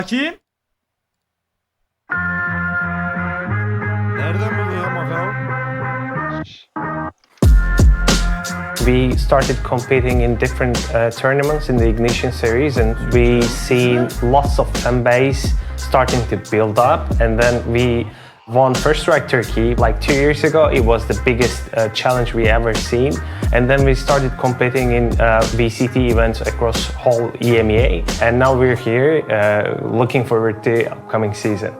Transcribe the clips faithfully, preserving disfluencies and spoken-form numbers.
Kim? Nereden buluyor Macau? We started competing in different uh, tournaments in the Ignition series, and we seen lots of fan base starting to build up. And then we won First Strike Turkey like two years ago. It was the biggest uh, challenge we ever seen. And then we started competing in uh, V C T events across whole E M E A. And now we're here, uh, looking forward to the upcoming season.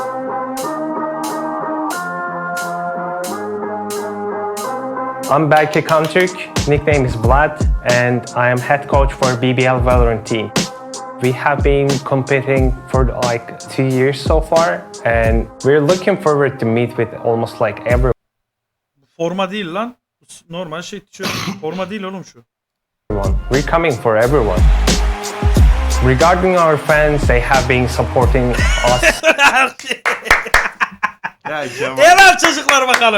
I'm Berke Kamtürk, nickname is Vlad, and I am head coach for B B L Valorant team. We have been competing for like two years so far, and we're looking forward to meet with almost like everyone. Forma değil lan. Normal şey tişört. Forma değil oğlum şu. We're coming for everyone. Regarding our fans, they have been supporting us. Ya Kemal Helal çocuklar bakalım.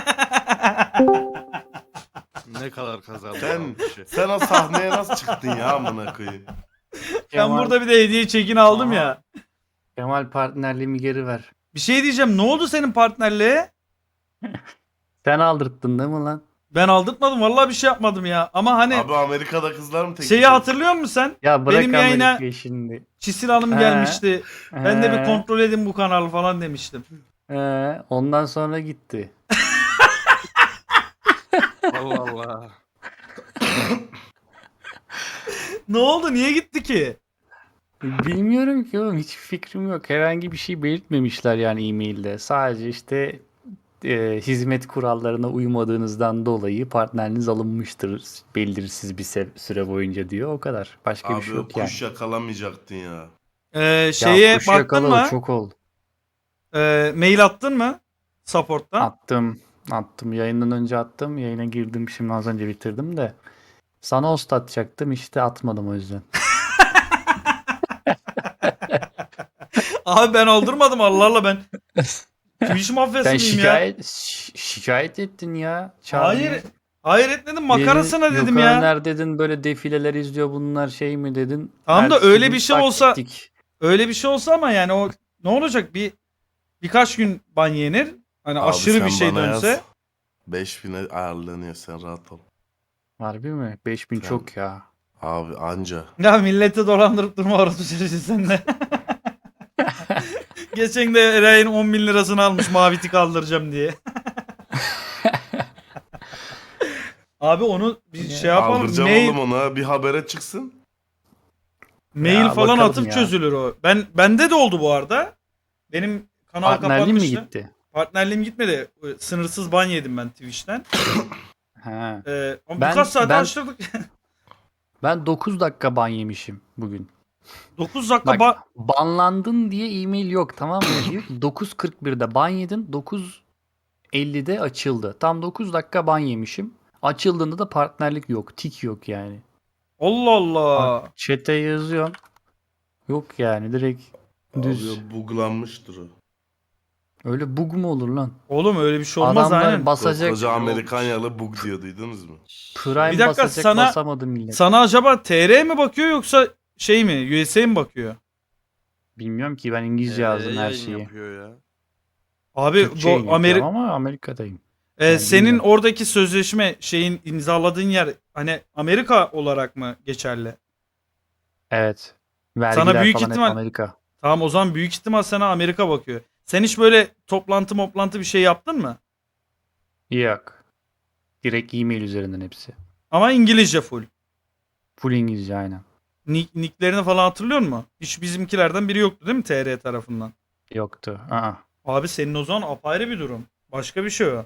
ne kadar kazandı. Sen, sen o sahneye nasıl çıktın ya amına koyayım? Ben burada bir de hediye çekini aldım ya. Kemal partnerliğimi geri ver. Bir şey diyeceğim. Ne oldu senin partnerliğe? Sen aldırttın değil mi lan? Ben aldırtmadım. Vallahi bir şey yapmadım ya. Ama hani Abi Amerika'da kızlar mı tek? şeyi hatırlıyor musun sen? Ya bırak Benim yayına Amerika'yı şimdi. Çisil Hanım He. gelmişti. Ben de bir He. kontrol edin bu kanalı falan demiştim. Ee, ondan sonra gitti. Allah Allah. Ne oldu? Niye gitti ki? Bilmiyorum ki oğlum, hiç fikrim yok. Herhangi bir şey belirtmemişler yani e-mailde. Sadece işte e, hizmet kurallarına uymadığınızdan dolayı partneriniz alınmıştır belirsiz bir se- süre boyunca diyor. O kadar. Başka bir Abi şey o yok yani. kuş yakalamayacaktın ya. Ee, şeye Ya kuş baktın yakaladı, mı? çok oldu. Ee, mail attın mı? Support'tan. Attım. Attım. Yayından önce attım. Yayına girdim. Şimdi az önce bitirdim de. Sana host atacaktım. İşte atmadım o yüzden. Abi ben aldırmadım Allah Allah ben. Twitch mafyası Sen mıyım ya? şikayet şi- şikayet ettin ya. Çağrı'yı. Hayır. Hayır etmedim makarasına Dedin, dedim yok ya. Öner dedin, böyle defileler izliyor bunlar şey mi dedin. Tamam da Ertesi öyle gün bir şey tak olsa- gittik. Öyle bir şey olsa ama yani o ne olacak bir birkaç gün ban yenir. Hani Abi aşırı sen bir şey bana dönse. yaz. beş bine ayarlanıyor, sen rahat ol. Harbi mi? beş bin Sen- çok ya. Abi anca. Ya milleti dolandırıp durma orası süreci sen de. Geçen de Eray'ın on bin lirasını almış mavi tik aldıracağım diye. Abi onu bir şey yapalım. Aldıracağım Mail, oğlum ona, bir habere çıksın. mail Ya falan bakalım atıp ya. çözülür o. Ben bende de oldu bu arada. Benim kanal Partnerliğin mi kapanmıştı. gitti? Partnerliğim gitmedi. Sınırsız ban yedim ben Twitch'ten. Ha. Ee, ama Ben- birkaç saat ben- açtırdık. Ben dokuz dakika ban yemişim bugün. dokuz dakika Bak, ban... banlandın diye e-mail yok, tamam mı? Diyor ki dokuz kırk birde ban yedin, dokuz ellide açıldı. Tam dokuz dakika ban yemişim. Açıldığında da partnerlik yok, tik yok yani. Allah Allah. Bak, chat'e yazıyorum. Yok yani, direkt düz. Abi buglanmıştır o. Öyle bug mu olur lan? Oğlum öyle bir şey olmaz Adamlar aynen. basacak. Koca Amerikanyalı bug diyor, duydunuz mu? Prime Bir dakika, basacak, sana- basamadı millet. Sana acaba T R mi bakıyor yoksa şey mi? U S A mi bakıyor? Bilmiyorum ki, ben İngilizce Ee, yazdım her yayın şeyi. yapıyor ya. Abi Türkçe do- yayın Ameri- yapıyorum ama Amerika'dayım. e, yani senin bilmiyorum. oradaki sözleşme şeyin imzaladığın yer hani Amerika olarak mı geçerli? Evet. Vergiler büyük falan hep ihtimal- Amerika. Tamam o zaman büyük ihtimal sana Amerika bakıyor. Sen hiç böyle toplantı moplantı bir şey yaptın mı? Yok. Direkt e-mail üzerinden hepsi. Ama İngilizce full. Full İngilizce aynen. Nick, nicklerini falan hatırlıyor musun? Hiç bizimkilerden biri yoktu değil mi T R tarafından? Yoktu. Aa. Abi senin o zaman apayrı bir durum. Başka bir şey o.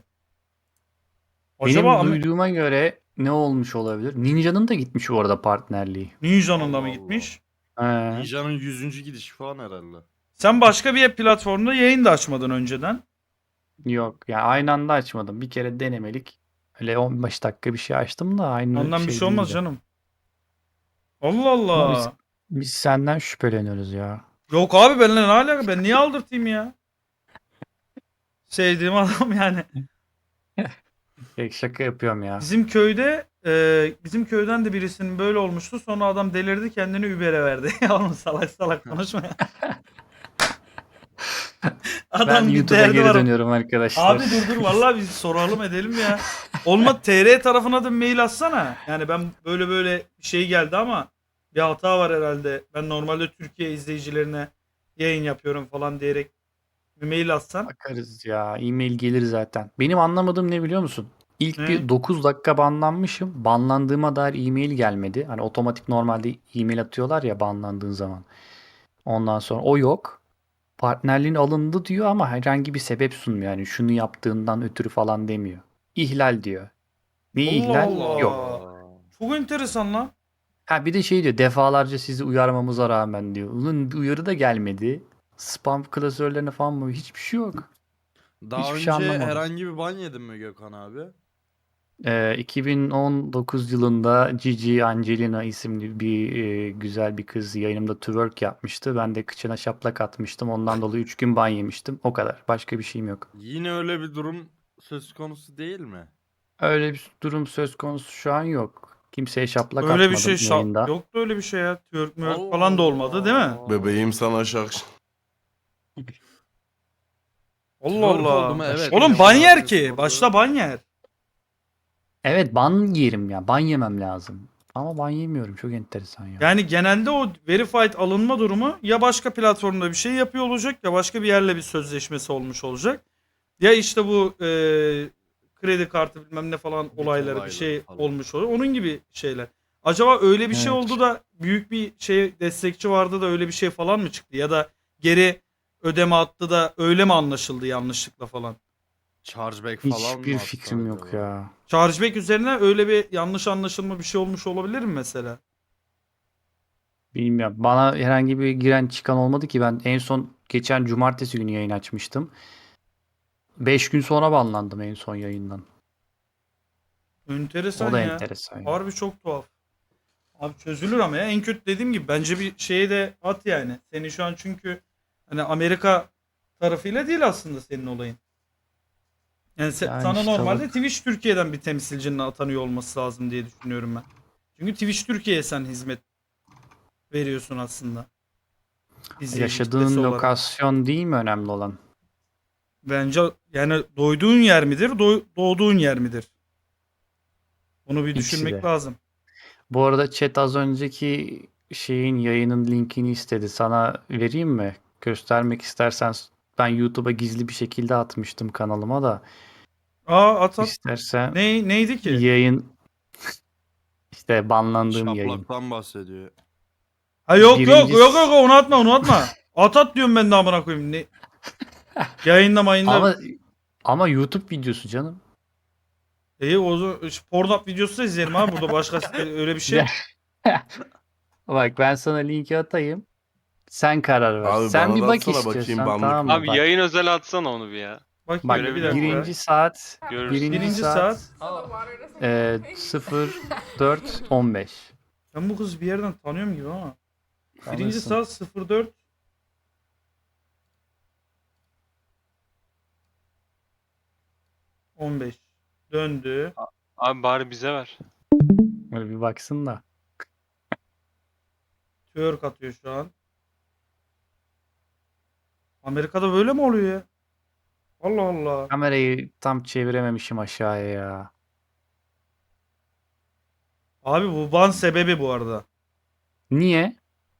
Benim Acaba Amer- duyduğuma göre ne olmuş olabilir? Ninja'nın da gitmiş bu arada partnerliği. Ninja'nın da Allah mı Allah. gitmiş? He. Ninja'nın yüzüncü gidişi falan herhalde. Sen başka bir platformda yayın da açmadın önceden. Yok. Yani aynı anda açmadım. Bir kere denemelik. Öyle on beş dakika bir şey açtım da aynı Ondan bir şey olmaz değildi. canım. Allah Ama Allah. Biz, biz senden şüpheleniyoruz ya. Yok abi benimle ne alaka? Ben niye aldırtayım ya? Sevdiğim adam yani. Pek şaka yapıyorum ya. Bizim köyde e, bizim köyden de birisinin böyle olmuştu. Sonra adam delirdi kendini Uber'e verdi. Ya oğlum salak salak konuşma ya. Adam Ben bir YouTube'a derdi geri var. dönüyorum arkadaşlar. Abi dur dur vallahi biz soralım edelim ya. Olma T R tarafına da mail atsana. Yani ben böyle böyle bir şey geldi ama bir hata var herhalde. Ben normalde Türkiye izleyicilerine yayın yapıyorum falan diyerek bir mail atsan. Bakarız ya. E-mail gelir zaten. Benim anlamadığım ne biliyor musun? İlk Ne? bir dokuz dakika banlanmışım. Banlandığıma dair e-mail gelmedi. Hani otomatik normalde e-mail atıyorlar ya banlandığın zaman. Ondan sonra o yok. Partnerliğin alındı diyor ama herhangi bir sebep sunmuyor. Yani şunu yaptığından ötürü falan demiyor. İhlal diyor. Ne Allah ihlal? Allah. Yok. Çok enteresan lan. Ha bir de şey diyor defalarca sizi uyarmamıza rağmen diyor. Ulan bir uyarı da gelmedi. Spam klasörlerine falan mı? Hiçbir şey yok. Daha Hiçbir önce şey anlamadım. herhangi bir ban yedin mi Gökhan abi? Ee, iki bin on dokuz yılında Gigi Angelina isimli bir e, güzel bir kız yayınımda twerk yapmıştı. Ben de kıçına şaplak atmıştım. Ondan dolayı üç gün ban yemiştim. O kadar. Başka bir şeyim yok. Yine öyle bir durum söz konusu değil mi? Öyle bir durum söz konusu şu an yok. Kimseye şaplak Öyle atmadım bir şey şa- yayında. yoktu öyle bir şey ya. Twerk mörk Allah falan da olmadı değil mi? Allah. Bebeğim sana şak. Allah Twerk Allah. oldu mu? Evet. Oğlum Gökhan ban abi yer ki. sordu. Başta ban yer. Evet ban yerim ya. Ban yemem lazım. Ama ban yemiyorum. Çok enteresan ya. Yani genelde o verified alınma durumu ya başka platformda bir şey yapıyor olacak ya başka bir yerle bir sözleşmesi olmuş olacak. Ya işte bu e, kredi kartı bilmem ne falan Bit olayları bir olayları şey falan. olmuş oluyor. Onun gibi şeyler. Acaba öyle bir şey Evet. oldu da büyük bir şey destekçi vardı da öyle bir şey falan mı çıktı? Ya da geri ödeme attı da öyle mi anlaşıldı yanlışlıkla falan? Chargeback falan mı Hiçbir attı fikrim yok acaba? ya. Chargeback üzerine öyle bir yanlış anlaşılma bir şey olmuş olabilir mi mesela? Bilmiyorum. Bana herhangi bir giren çıkan olmadı ki. Ben en son geçen cumartesi günü yayın açmıştım. beş gün sonra banlandım en son yayından. Enteresan O da ya. enteresan. ya. Harbi çok tuhaf. Abi çözülür ama ya en kötü dediğim gibi bence bir şeye de at yani. Senin şu an çünkü hani Amerika tarafıyla değil aslında senin olayın. Yani, se- Yani sana işte normalde bak- Twitch Türkiye'den bir temsilcinin atanıyor olması lazım diye düşünüyorum ben. Çünkü Twitch Türkiye'ye sen hizmet veriyorsun aslında. İzleyici Yaşadığın kitlesi olarak. lokasyon değil mi önemli olan? Bence yani doyduğun yer midir, doy- doğduğun yer midir? Bunu bir İkisi düşünmek de. lazım. Bu arada chat az önceki şeyin yayının linkini istedi. Sana vereyim mi? Göstermek istersen ben YouTube'a gizli bir şekilde atmıştım kanalıma da. Aa at at. İstersen Ne, neydi ki? yayın işte banlandığım yayın. Şaplaktan bahsediyor. Ha yok yok Birincisi- yok yok onu atma onu atma. At at diyorum ben de amına koyayım. Ne? Yayında mayında. Ama ama YouTube videosu canım. İyi o zaman Pornhub videosu da izleyelim abi burada başka öyle bir şey. Bak ben sana linki atayım. Sen karar ver. Abi Sen bana bir da bak atsana bakayım, istiyorsan banlık tamam mı? mı? Abi Bak, yayın özel atsana onu bir ya. Bak bak bir dakika. birinci saat Görürsün. birinci, Birinci saat, saat. e, sıfır dört on beş. Ben bu kızı bir yerden tanıyorum gibi ama. Birinci Tanırsın. saat sıfır dört on beş döndü. Abi bari bize ver. Böyle bir baksın da. Twerk atıyor şu an. Amerika'da böyle mi oluyor ya? Allah Allah. Kamerayı tam çevirememişim aşağıya ya. Abi bu ban sebebi bu arada. Niye?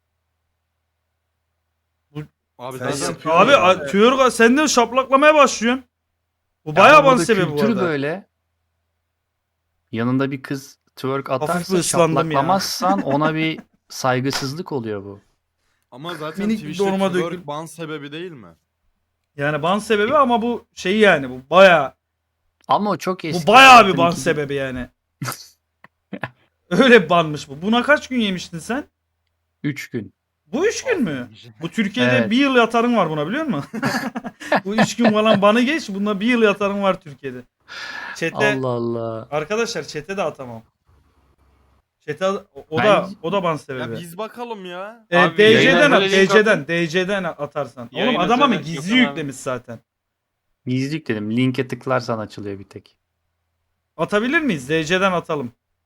Abi Sen zaten yapıyorsun Abi ya. a- twerk sen de şaplaklamaya başlıyorsun. Bu bayağı Ama ban burada sebebi bu kültür arada. böyle. Yanında bir kız twerk bir atarsa ıslandım ya. şaplaklamazsan ona bir saygısızlık oluyor bu. ama zaten Minik bir Twitch'te dorma twerk dökül- ban sebebi değil mi? Yani ban sebebi ama bu şey yani bu bayağı Ama o çok eski. bu bayağı bir Zaten ban iki bin- sebebi yani. Öyle bir banmış bu. Buna kaç gün yemiştin sen? Üç gün. Bu üç gün mü? Bu Türkiye'de Evet. bir yıl yatarın var buna biliyor musun? Bu üç gün falan banı geç. Bunda bir yıl yatarın var Türkiye'de. Çete Allah Allah. arkadaşlar çete de atamam. Çete o, o Ben- da o da ban Ya sebebi. biz bakalım ya. Ee, Abi, D C'den yayına at, böyle link D C'den, D C'den atarsan. Yayın Oğlum adam ama özel gizli Gökhan abi. yüklemiş zaten. Gizli dedim. Linke tıklarsan açılıyor bir tek. Atabilir miyiz? D C'den atalım.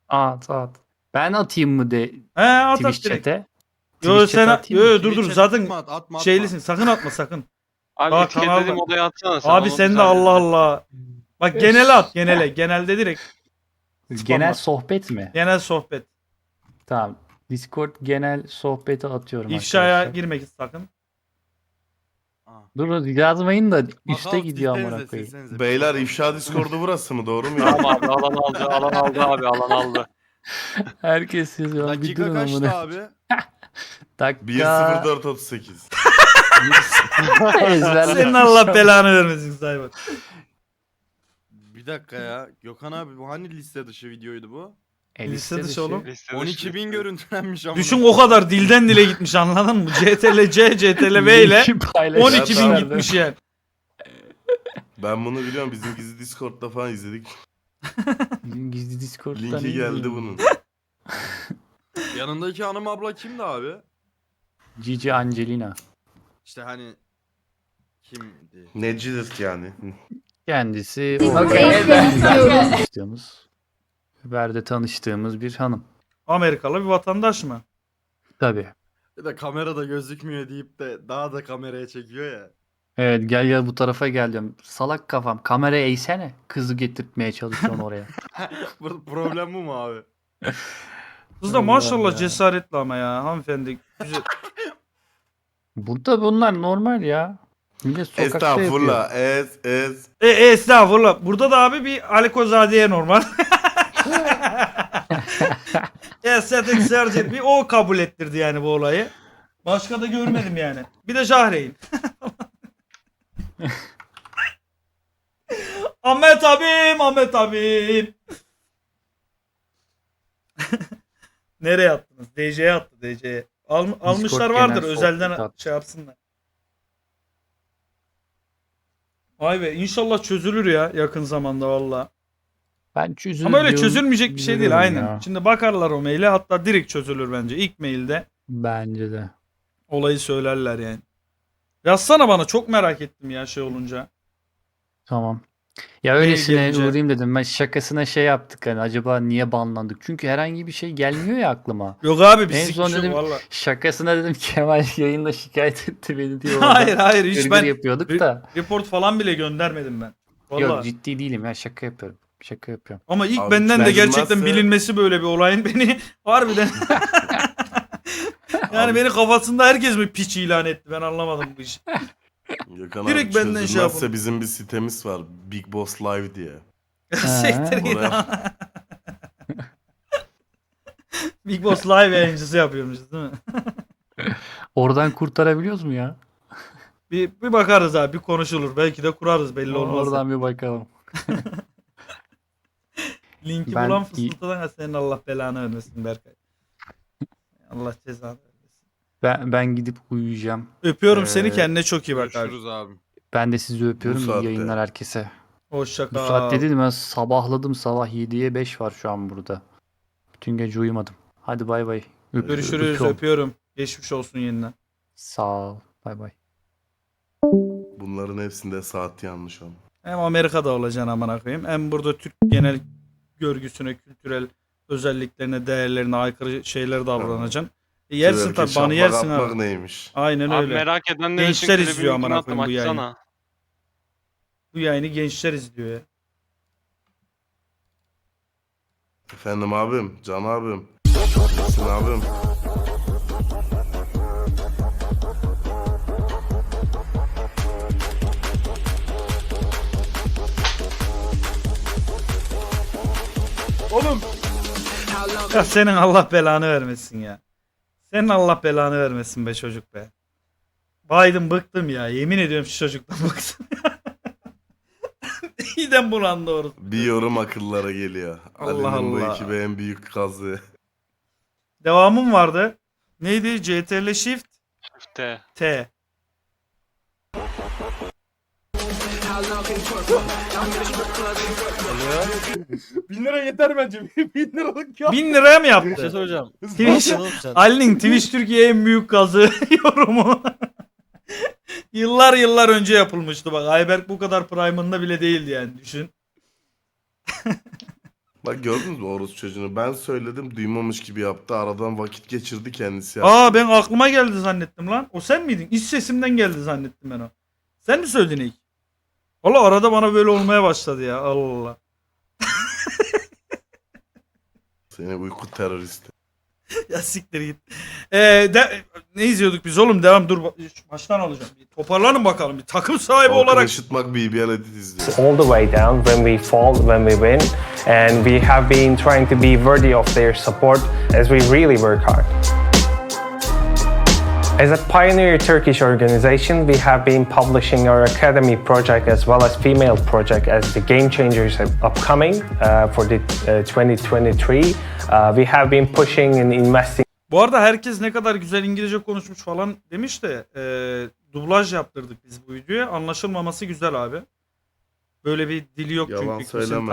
At at. Ben atayım mı de He at at Twitch direkt. chat'e? Yo Twitch sen chat'e at. atayım Yo mı? yo, dur dur Twitch'e zaten atma, atma, atma. şeylisin. Sakın atma sakın. Abi Aa, etiketlediğim kanalda. odaya atsana sen. Abi onu sen biz de Allah hallederiz. Allah. Bak genele at genele. Genelde direkt. Genel sohbet mi? Genel sohbet. Tamam. Discord genel sohbeti atıyorum İfşaya arkadaşlar. girmek sakın. Aa. Dur yazmayın da üste Bakalım, gidiyor silsenize, amına koyayım. silsenize. Beyler ifşa Discord'u burası mı? Doğru mu? Tamam abi alan aldı alan aldı abi alan aldı. Herkes yazıyor. Bir Dakika durun kaçtı amına. abi? Dakika. bir sıfır dört otuz sekiz. Ezberle. Senin Allah belanı vermesin Cyber. Bir dakika ya. Gökhan abi bu hani liste dışı videoydu bu? E, Liste liste dışı oğlum. Liste on dışı. iki bin görüntülenmiş ama. Düşün o kadar dilden dile gitmiş anladın mı? C T L C, C T L V ile Linki paylaş. on iki bin Evet, gitmiş yani. Ben bunu biliyorum. Bizim gizli Discord'da falan izledik. Bizim gizli Discord'dan Linki iyi geldi değil. bunun. Yanındaki hanım abla kimdi abi? Cici Angelina. İşte hani kimdi? Necidir yani? Kendisi Okay. tanıştığımız, Uber'de tanıştığımız bir hanım. Amerikalı bir vatandaş mı? Tabii. Bir de kamerada gözükmüyor deyip de daha da kameraya çekiyor ya. Evet gel gel bu tarafa gel diyorum. Salak kafam. Kameraya eğsene. Kızı getirtmeye çalışıyorsun oraya. Bu problem bu mu abi? Kız da Allah maşallah ya. cesaretli ama ya hanımefendi. Güzel. Burada bunlar normal ya. Millet sokakta yapıyor. Estağfurullah. Ez ez. E, e estağfurullah. Burada da abi bir Alikozadiye normal. Estetik surgery bir o kabul ettirdi yani bu olayı. Başka da görmedim yani. Bir de Jahreyn. Ahmet abim, Ahmet abim. Nereye attınız? D C'ye attı D C'ye. Al, almışlar genel vardır sohbet özelden at. şey yapsınlar. Vay be inşallah çözülür ya yakın zamanda valla. Ben çözülür Ama öyle diyorum, çözülmeyecek bir şey değil üzülüyorum aynen. ya. Şimdi bakarlar o maile hatta direkt çözülür bence. İlk mailde Bence de. olayı söylerler yani. Yazsana bana çok merak ettim ya şey olunca. Tamam. Ya öylesine gelince- uğrayayım dedim. Ben şakasına şey yaptık hani acaba niye banlandık? Çünkü herhangi bir şey gelmiyor ya aklıma. Yok abi En pislik son bir şey dedim valla. şakasına dedim Kemal yayında şikayet etti beni diyor. Hayır hayır hiç Gırgır ben yapıyorduk Re- da. report falan bile göndermedim ben. Valla. Yok ciddi değilim ya şaka yapıyorum. Şaka yapıyorum. Ama ilk Abi benden de gerçekten çözülmezse- bilinmesi böyle bir olayın beni harbiden yani Abi- beni kafasında herkes mi piç ilan etti ben anlamadım bu işi. Gökhan Direkt abi benden şey çözülmezse yapın. bizim bir sitemiz var. Big Boss Live diye. Siktir git. Oraya- Big Boss live yayıncısı yapıyormuşuz değil mi? Oradan kurtarabiliyoruz mu ya? Bir, bir bakarız abi bir konuşulur. Belki de kurarız belli olmaz. Oradan bir bakalım. Linki Ben bulan iyi- fısıltıdan senin Allah belanı vermesin Berkay. Allah cezanı vermesin. Ben ben gidip uyuyacağım. Öpüyorum Ee, seni kendine çok iyi bak abi. Görüşürüz abi. Ben de sizi öpüyorum. Bu İyi saatte. yayınlar herkese. Hoşça Bu kal. saatte dedim ben sabahladım. Sabah yediye beş var şu an burada. Bütün gece uyumadım. Hadi bay bay. Öp- Görüşürüz öpüyorum. öpüyorum. Geçmiş olsun yeniden. Sağ ol. Bay bay. Bunların hepsinde saat yanlış ama. Hem Amerika'da olacaksın amına koyayım. Hem burada Türk genel görgüsüne, kültürel özelliklerine, değerlerine aykırı şeyler davranacaksın. E yersin Twerk'e tabii banı şaplak yersin atmak abi. neymiş? Aynen Abi öyle. merak edenler için Gençler klibin izliyor linkini amına attım, koyayım bu yayını. açsana. Bu yayını gençler izliyor ya. Efendim abim, Can abim. Nesin abim? Oğlum. Ya senin Allah belanı vermesin ya. Senin Allah belanı vermesin be çocuk be. Biden bıktım ya. Yemin ediyorum şu çocuktan bıktım. İyiden bulan doğru. Bir yorum akıllara geliyor. Allah Ali'nin bu Allah. ekibe en büyük kazı. Devamım vardı. Neydi? C T R L Shift İşte. T. Bin lira yeter bence. Bin liralık ya. Bin liraya mı Bir şey yaptı? soracağım. Twitch, Oğlum sen- Ali'nin Twitch Türkiye en büyük kazı yorumu. Yıllar yıllar önce yapılmıştı bak. Ayberk bu kadar prime'ında bile değildi yani düşün. Bak gördünüz mü orospu çocuğunu? Ben söyledim duymamış gibi yaptı. Aradan vakit geçirdi kendisi yaptı. Aa ben aklıma geldi zannettim lan. O sen miydin? İç sesimden geldi zannettim ben o. Sen mi söyledin ilk? Valla arada bana böyle olmaya başladı ya. Allah Allah. Seni uyku teröristi. Ya siktir git. Ee, de, ne izliyorduk biz oğlum? Devam dur. Baştan alacağım. Bir toparlanın bakalım. Bir takım sahibi Halkın olarak. ışıtmak B B L edit izliyor. all the way down when we fall, when we win, and we have been trying to be worthy of their support as we really work hard. As a pioneer Turkish organization, we have been publishing our academy project as well as female project as the Game Changers are upcoming uh, for the uh, twenty twenty-three. Uh, we have been pushing and investing Bu arada herkes ne kadar güzel İngilizce konuşmuş falan demiş de e, dublaj yaptırdık biz bu videoya. Anlaşılmaması güzel abi. Böyle bir dili yok Yalan çünkü. söyleme.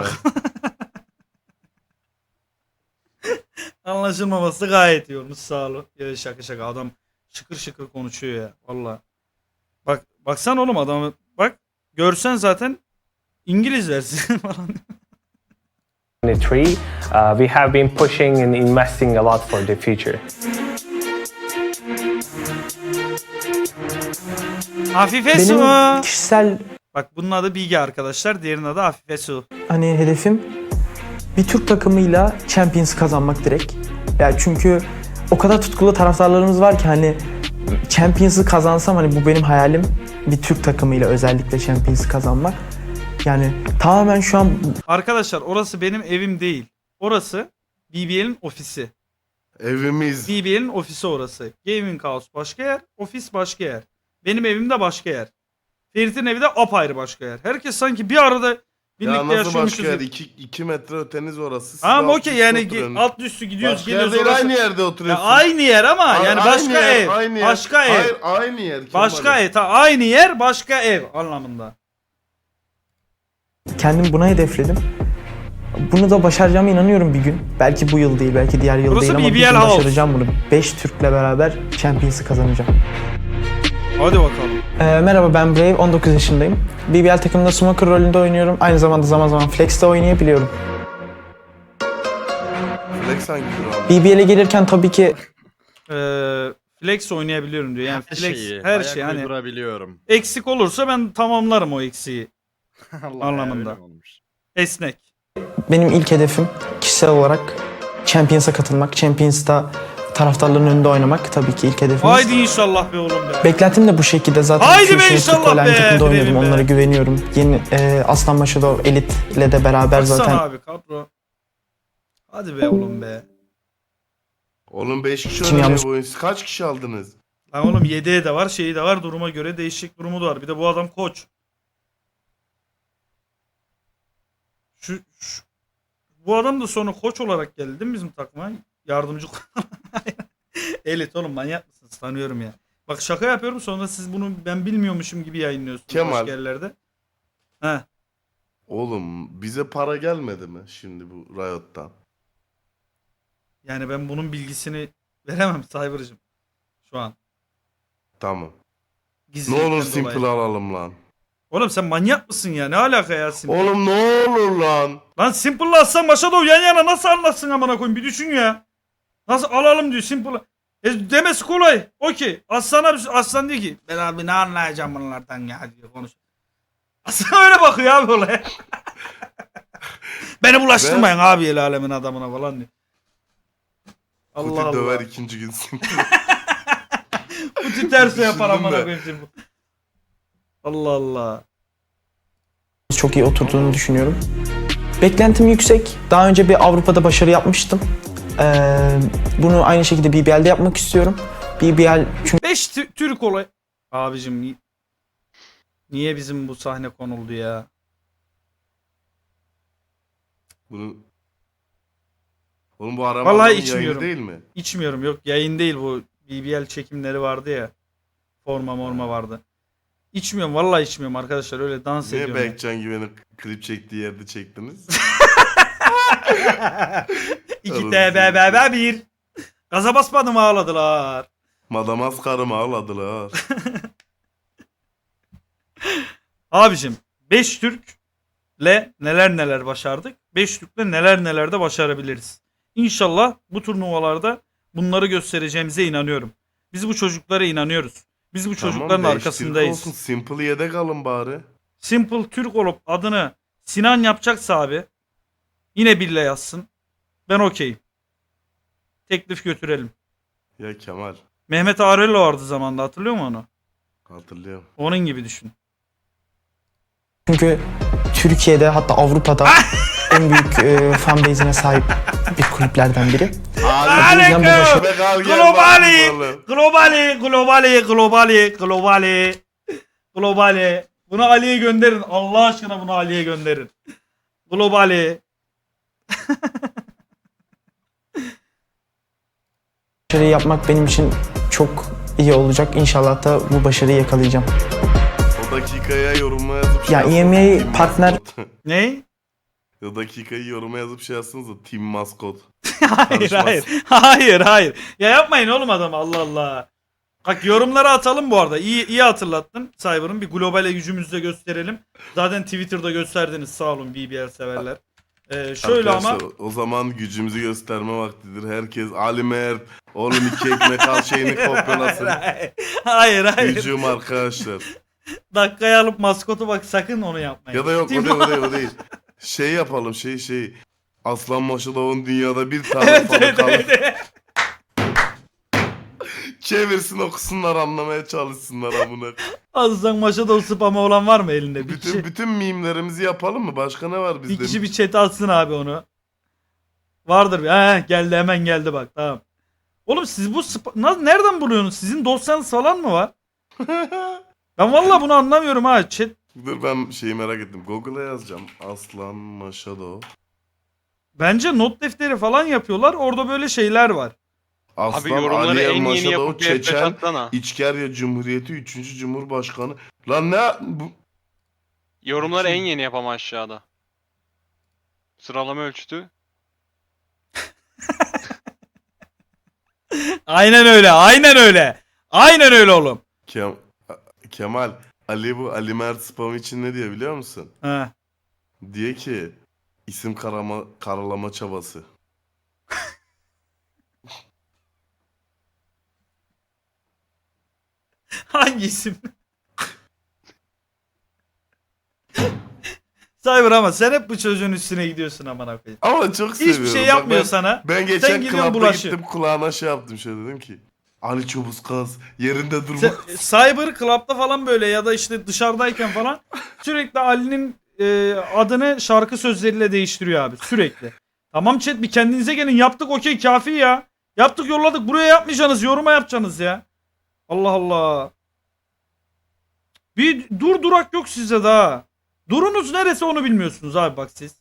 Anlaşılmaması gayet iyi olmuş, sağ olun. Ya şaka şaka, adam şıkır şıkır konuşuyor ya valla. Bak baksan oğlum adamı, bak görsen zaten İngiliz dersin falan. twenty-three. Uh, we have been pushing and investing a lot for the future. Afife Benim Su. kişisel Bak bunun adı Bilge arkadaşlar, diğerinin adı Afife Su. hani hedefim bir Türk takımıyla Champions kazanmak direkt. Yani çünkü o kadar tutkulu taraftarlarımız var ki hani Champions'ı kazansam hani bu benim hayalim. Bir Türk takımıyla özellikle Champions'ı kazanmak. Yani tamamen şu an Arkadaşlar orası benim evim değil. Orası B B L'in ofisi. Evimiz. B B L'in ofisi orası. Gaming House başka yer, ofis başka yer. Benim evim de başka yer. Ferit'in evi de apayrı başka yer. Herkes sanki bir arada Ya birlikte nasıl yaşıyormuşuz. başka yer? gibi. İki, iki metre öteniz orası. Siz Tamam alt okey üstte yani oturuyorsunuz. alt üstü gidiyoruz Başka yer geliyoruz değil, orası. aynı yerde Ya oturuyorsunuz. aynı yer ama A- yani aynı başka yer, ev. aynı yer. Başka ev. Hayır, aynı yer. Başka Kemal'im. ev. Ta- aynı yer başka ev anlamında. kendim buna hedefledim. Bunu da başaracağıma inanıyorum bir gün. Belki bu yıl değil, belki diğer yıl Burası değil ama B B bir L gün House. başaracağım bunu. beş Türk'le beraber Champions'ı kazanacağım. Hadi bakalım. Ee, merhaba ben Brave, on dokuz yaşındayım. B B L takımında smoker rolünde oynuyorum. Aynı zamanda zaman zaman flex'te oynayabiliyorum. Flex hangi kural? B B L'e gelirken tabii ki Ee, flex oynayabiliyorum diyor. Yani Her flex şeyi, her ayak şey hani uydurabiliyorum. eksik olursa ben tamamlarım o eksiği. Allah Anlamında. ya, öyle mi olmuş? Esnek. benim ilk hedefim kişisel olarak Champions'a katılmak. Champions'ta taraftarların önünde oynamak tabii ki ilk hedefimiz. Haydi inşallah be oğlum be. Beklentim de bu şekilde. Zaten Haydi iki be yaşında inşallah Türk Online be, takımda oynadım. Brevim be. Onlara güveniyorum. Yeni e, Aslanbaşı'da o Elit'le de beraber Baksana zaten abi kadro. Hadi be oğlum be. Oğlum beş kişi Kim oynuyor yanlış- bu oyun. Siz kaç kişi aldınız? Lan oğlum yedeği de var, şeyi de var, duruma göre değişik durumu da var. Bir de bu adam koç. Şu, şu bu adam da sonra koç olarak geldi değil mi bizim takıma? Yardımcı elit oğlum, manyak mısınız? Tanıyorum ya. Bak şaka yapıyorum, sonra siz bunu ben bilmiyormuşum gibi yayınlıyorsunuz Kemal. başka yerlerde. He. Oğlum bize para gelmedi mi şimdi bu Riot'tan? Yani ben bunun bilgisini veremem Cyber'cığım. Şu an. Tamam. Ne Gizlilikten olur dolayı. Simple alalım lan. Oğlum sen manyak mısın ya? Ne alaka ya Simple? Oğlum ne olur lan. Lan Simple'la Aslan Başa Doğu yan yana nasıl anlatsın amına koyayım, bir düşün ya. Nasıl alalım diyor Simple'la. E demesi kolay. Okey. Aslan'a Aslan diyor ki ben abi ne anlayacağım bunlardan ya diyor, konuş. Aslan öyle bakıyor abi olaya. Beni bulaştırmayın abi el alemin adamına falan diyor. Allah Kuti Allah. döver ikinci gün Simple. Kuti tersi yapar Düşündüm amına de. koyayım Simple. Allah Allah. çok iyi oturduğunu düşünüyorum. Beklentim yüksek. Daha önce bir Avrupa'da başarı yapmıştım. Ee, bunu aynı şekilde B B L'de yapmak istiyorum. B B L çünkü beş Türk olay. Abicim ni- niye bizim bu sahne konuldu ya? Bunu... Oğlum bu arama Vallahi adamın içmiyorum. yayını değil mi? İçmiyorum, yok yayın değil bu. B B L çekimleri vardı ya. Forma morma vardı. İçmiyorum vallahi, içmiyorum arkadaşlar, öyle dans Niye ediyorum. Berkcan Güven'in klip çektiği yerde çektiniz? İki T B B B bir. Gaza basmadım ağladılar. Madamaskar'ımı ağladılar. Abicim beş Türk neler neler başardık. beş Türk'le neler neler de başarabiliriz. İnşallah bu turnuvalarda bunları göstereceğimize inanıyorum. Biz bu çocuklara inanıyoruz. Biz bu çocukların Tamam, beş Türk arkasındayız. olsun, Simple yedek alın bari. Simple Türk olup adını Sinan yapacaksa abi yine Bille yazsın. Ben okeyim. Teklif götürelim. Ya Kemal, Mehmet Arello vardı zamanında, hatırlıyor musun onu? hatırlıyorum. Onun gibi düşün. Çünkü Türkiye'de hatta Avrupa'da en büyük e, fan base'ine sahip bir kulüplerden biri. Abi, yüzden bu başarı- be kal gel Globali, bakayım oğlum. globali, globali, globali, globali, globali. Bunu Ali'ye gönderin. Allah aşkına bunu Ali'ye gönderin. Globali. Başarıyı yapmak benim için çok iyi olacak. İnşallah da bu başarıyı yakalayacağım. O dakikaya yoruma yazıp şey Ya yazsın, E M A Team partner- Maskot. Ne? O dakikayı yoruma yazıp şey yazsınız da Team Maskot. Hayır Karışmaz. hayır. Hayır hayır. Ya yapmayın oğlum adam, Allah Allah. Bak yorumlara atalım bu arada. İyi iyi hatırlattın Cyber'ın. Bir globale gücümüzü de gösterelim. Zaten Twitter'da gösterdiniz, sağ olun B B L severler. Ee, şöyle ama Arkadaşlar, o zaman gücümüzü gösterme vaktidir. Herkes Ali Mert, oğlum iki ekmek al şeyini kopyalasın. hayır, hayır hayır. Gücüm arkadaşlar. Dakikaya alıp maskotu bak, sakın onu yapmayın. Ya da yok o Tim- değil o değil o değil. Şey yapalım şey şey. Aslan Maşadov'un dünyada bir tane Evet falı evet kalır. evet. evet. Çevirsin okusunlar anlamaya çalışsınlar amına. Aslan Maşadov spamı olan var mı elinde? Bir Bütün kişi, bütün mimlerimizi yapalım mı? Başka ne var bir bizde? kişi bir chat'e atsın abi onu. Vardır bir. He, geldi hemen geldi bak, tamam. Oğlum siz bu spa... Na- nereden buluyorsunuz? Sizin dosyanız falan mı var? Ben vallahi bunu anlamıyorum ha. Chat. Dur ben şeyi merak ettim. Google'a yazacağım. Aslan Maşadov. Bence not defteri falan yapıyorlar. Orada böyle şeyler var. Aslan Abi yorumları Ali El en yeni Maşadov yapıp bir F beş Çeçen atsana. İçkerya Cumhuriyeti üçüncü Cumhurbaşkanı. Lan ne bu? Yorumları en yeni yapama aşağıda. Sıralama ölçütü. Aynen öyle. Aynen öyle. Aynen öyle oğlum. Kem Kemal Ali bu Ali Mert spam için ne diyor biliyor musun? He. Diye ki isim karama, karalama çabası. Hangi isim? Cyber ama sen hep bu çocuğun üstüne gidiyorsun aman koyayım. Ama çok seviyorum. Hiçbir şey Bak yapmıyor ben, sana. Ben geçen Sen gidiyorsun klapta bulaşıyorsun. gittim kulağına şey yaptım şöyle dedim ki Ali Çobuzkaz yerinde durma. Sen- Cyber Club'da falan böyle ya da işte dışarıdayken falan sürekli Ali'nin e, adını şarkı sözleriyle değiştiriyor abi, sürekli. Tamam chat, bir kendinize gelin, yaptık okey kafi ya. Yaptık yolladık, buraya yapmayacaksınız, yoruma yapacaksınız ya. Allah Allah. Bir dur durak yok sizde daha. Durunuz neresi onu bilmiyorsunuz abi bak siz.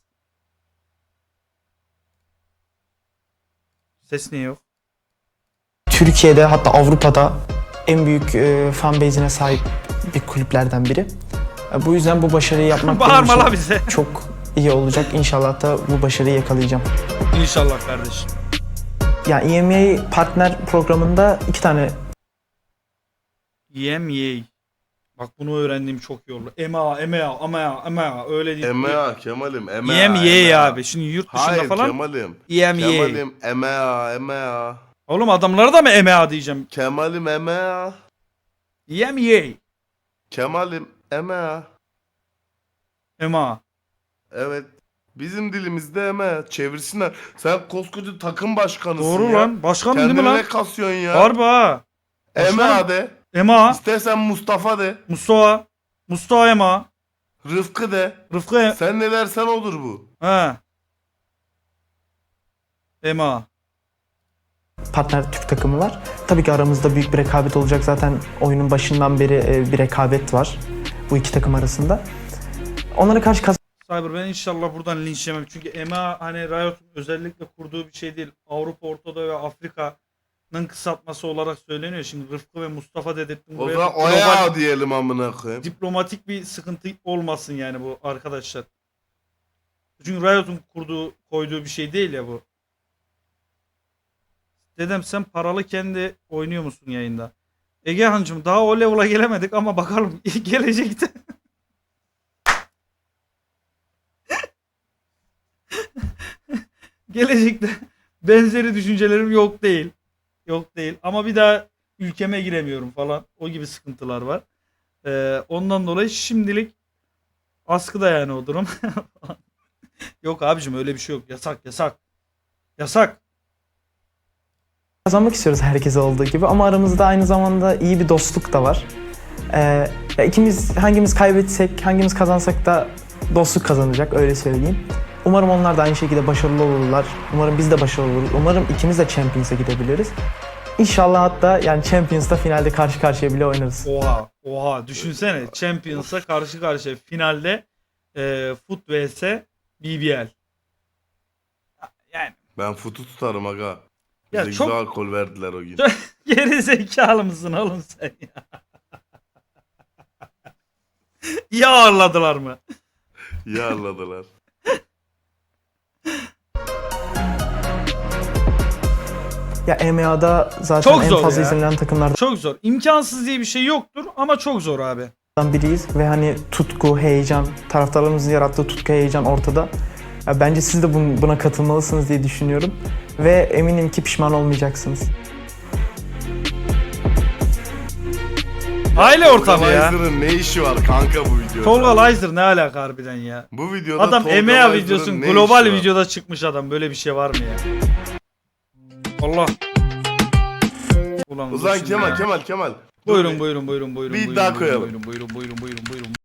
Ses niye yok? Türkiye'de hatta Avrupa'da en büyük e, fan base'ine sahip bir kulüplerden biri. E, bu yüzden bu başarıyı yapmak benim Bağırma la için bize. çok iyi olacak. İnşallah da bu başarıyı yakalayacağım. İnşallah kardeşim. Ya E M A partner programında iki tane Y M Y. Bak bunu öğrendiğim çok iyi oldu. E M A, E M A, ama ya, ama ya öyle değil. E M A Kemal'im E M A. Y M Y E M A. abi. Şimdi yurt dışında Hayır falan Kemal'im. Y M Y. Kemal'im E M A E M A. Oğlum adamlara da mı E M A diyeceğim? Kemal'im E M A. Y M Y. Kemal'im E M A. E M A. Evet. Bizim dilimizde E M A. Çevirsinler. Sen koskoca takım başkanısın Doğru ya. lan. Başkan değil mi Kendine lan? ne kasıyorsun ya? Harbi ha. E M A de. E M A. İstersen Mustafa de. Mustafa. Mustafa E M A. Rıfkı de. Rıfkı E- Sen ne dersen odur bu. He. E M A. partner Türk takımı var. Tabii ki aramızda büyük bir rekabet olacak. Zaten oyunun başından beri e, bir rekabet var bu iki takım arasında. Onlara karşı Cyber, ben inşallah buradan linç yemem. Çünkü E M A hani Riot'un özellikle kurduğu bir şey değil. Avrupa, Orta Doğu ve Afrika'nın kısaltması olarak söyleniyor. Şimdi Rıfkı ve Mustafa dedirttim. O Buraya zaman global- oya diyelim amına koyayım. diplomatik bir sıkıntı olmasın yani bu arkadaşlar. Çünkü Riot'un kurduğu, koyduğu bir şey değil ya bu. Dedem sen paralı kendi oynuyor musun yayında? Egehan'cığım daha o level'a gelemedik ama bakalım gelecekte. gelecekte benzeri düşüncelerim yok değil. Yok değil. Ama bir daha ülkeme giremiyorum falan. O gibi sıkıntılar var. Ee, ondan dolayı şimdilik askıda yani o durum. Yok abicim öyle bir şey yok. Yasak yasak. Yasak. Kazanmak istiyoruz herkese olduğu gibi ama aramızda aynı zamanda iyi bir dostluk da var. Ee, ya ikimiz hangimiz kaybetsek, hangimiz kazansak da dostluk kazanacak öyle söyleyeyim. Umarım onlar da aynı şekilde başarılı olurlar. Umarım biz de başarılı oluruz. Umarım ikimiz de Champions'a gidebiliriz. İnşallah hatta yani Champions'ta finalde karşı karşıya bile oynarız. Oha. Oha. Düşünsene. Champions'a karşı karşıya finalde e, Foot vs B B L. Yani Ben futu tutarım aga. Ya Bize çok- güzel alkol verdiler o gün. geri zekalı mısın oğlum sen ya? İyi ağırladılar mı? İyi anladılar. Ya E M A'da zaten Çok en zor fazla ya. izlenen takımlardan Çok zor. İmkansız diye bir şey yoktur ama çok zor abi. biriyiz ve hani tutku, heyecan, taraftarlarımızın yarattığı tutku, heyecan ortada. Ya bence siz de bun- buna katılmalısınız diye düşünüyorum ve eminim ki pişman olmayacaksınız. Aile ortamı ya. Tolga ne işi var kanka bu videoda? Tolga Lizer ne alaka harbiden ya? Bu videoda Adam Tolga E M A Licer'ın videosun ne global işi var? videoda çıkmış adam. Böyle bir şey var mı ya? Allah. Ulan O zaman dur şimdi Kemal ya. Kemal Kemal. Dur Buyurun bir- buyurun buyurun buyurun. Bir buyurun, iddia buyurun, koyalım. Buyurun buyurun buyurun buyurun buyurun.